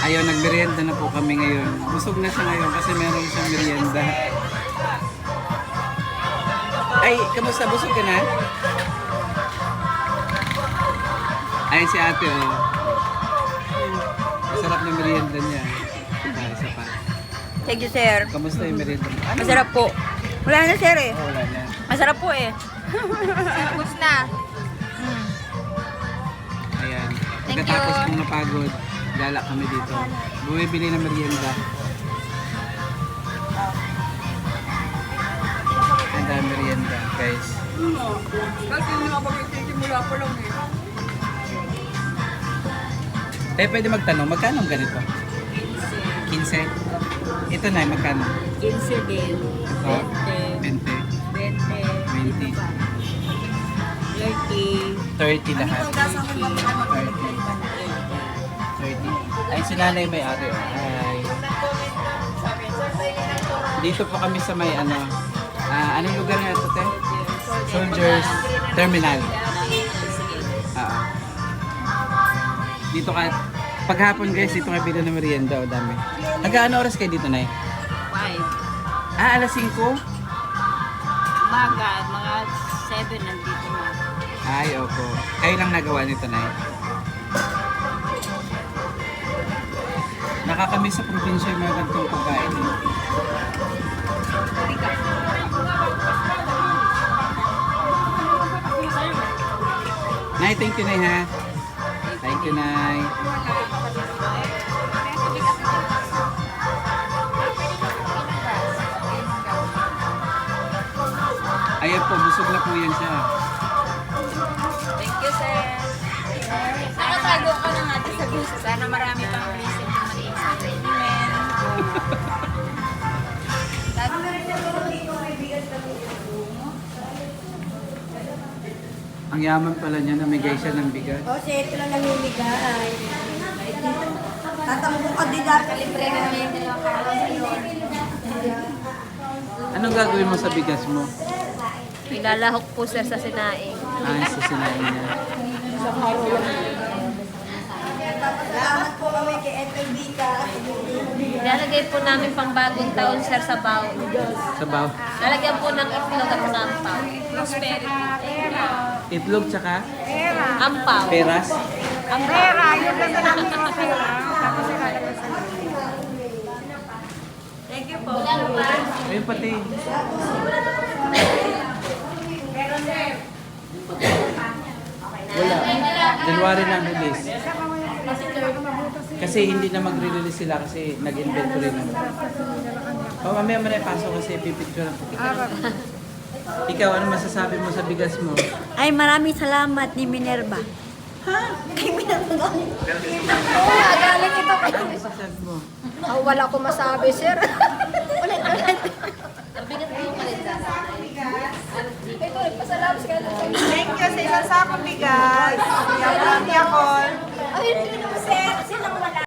Ayun, nagmerienda na po kami ngayon. Busog na siya ngayon kasi meron siyang merienda. Ay, kamusta? Busog ka na? Ay, si ate, oh. Masarap na merienda niya. Isa pa. Thank you, sir. Kamusta yung merienda mo? Ano? Masarap po. Wala na, sir eh. Oh, wala na. Masarap po eh. Tapos na. Ayan. Thank Pagkatapos you. kong napagod, gala kami dito. Bumibili ng merienda. Ang dami merienda, guys. Kasi yung nakapag-simula pa lang eh. Pwede magtanong, magkano ang ganito? 15. Ito na, magkano? 15 din. Ito? 20. 20. 20. 30. 30 lahat. 30. Ay, si nanay may ari. Oh. Ay. Dito po kami sa may ano. Anong lugar nga ito, te? Soldiers Terminal. Dito ka, paghapon guys, dito kayo bila ng merienda. O dami. Hanggang oras kayo dito, nay? 5. Alas 5? Umaga, mga 7 nandito na. Ay, opo. Kayo lang nagawa nito, nay? Nakakamiss sa probinsya yung mga ganitong pagkain. Eh. Nay, thank you, nay, ha? Thank you, nay. Ayan po, busog na po yan siya. Thank you, sir. Nakatago ka na natin sa gusto. Sana marami pang reason na mag-iing sa treatment. Ang yaman pala niya, namigay siya ng bigas. O, siya ito lang namimigay. Tatambo ka din dati. Libre na namin yung dalawang karawan sa iyo. Anong gagawin mo sa bigas mo? Ilalahok po, sir, sa sinaing. Ay, sa sinain niya. Salamat po kami kay Ethel Vika. Ilalagay po namin pang bagong taon, sir, sa baon. Sabaw. Lalagyan po ng itlog at sampaw. Prosperity. Itlog tsaka Ampaw. peras. Pera, yun lang na namin mga pera. Tapos ilalagay sa Thank you po. Ayun pati. Wala. January na ang release. Kasi hindi na magre-release sila kasi nag-inventory na. Oh, mamaya mo na ipasok kasi pipicture ako. Ikaw, ano masasabi mo sa bigas mo? Ay, maraming salamat ni Minerva. Ha? Kay Minerva. Oo, galing ito. Ano masasabi mo? Oh, wala ko masabi, sir. Ulit. Mabigat mo yung kalinda. Ito, nagpasalamat ka na. Thank you sa isang sakong bigas. Yakol. Ay,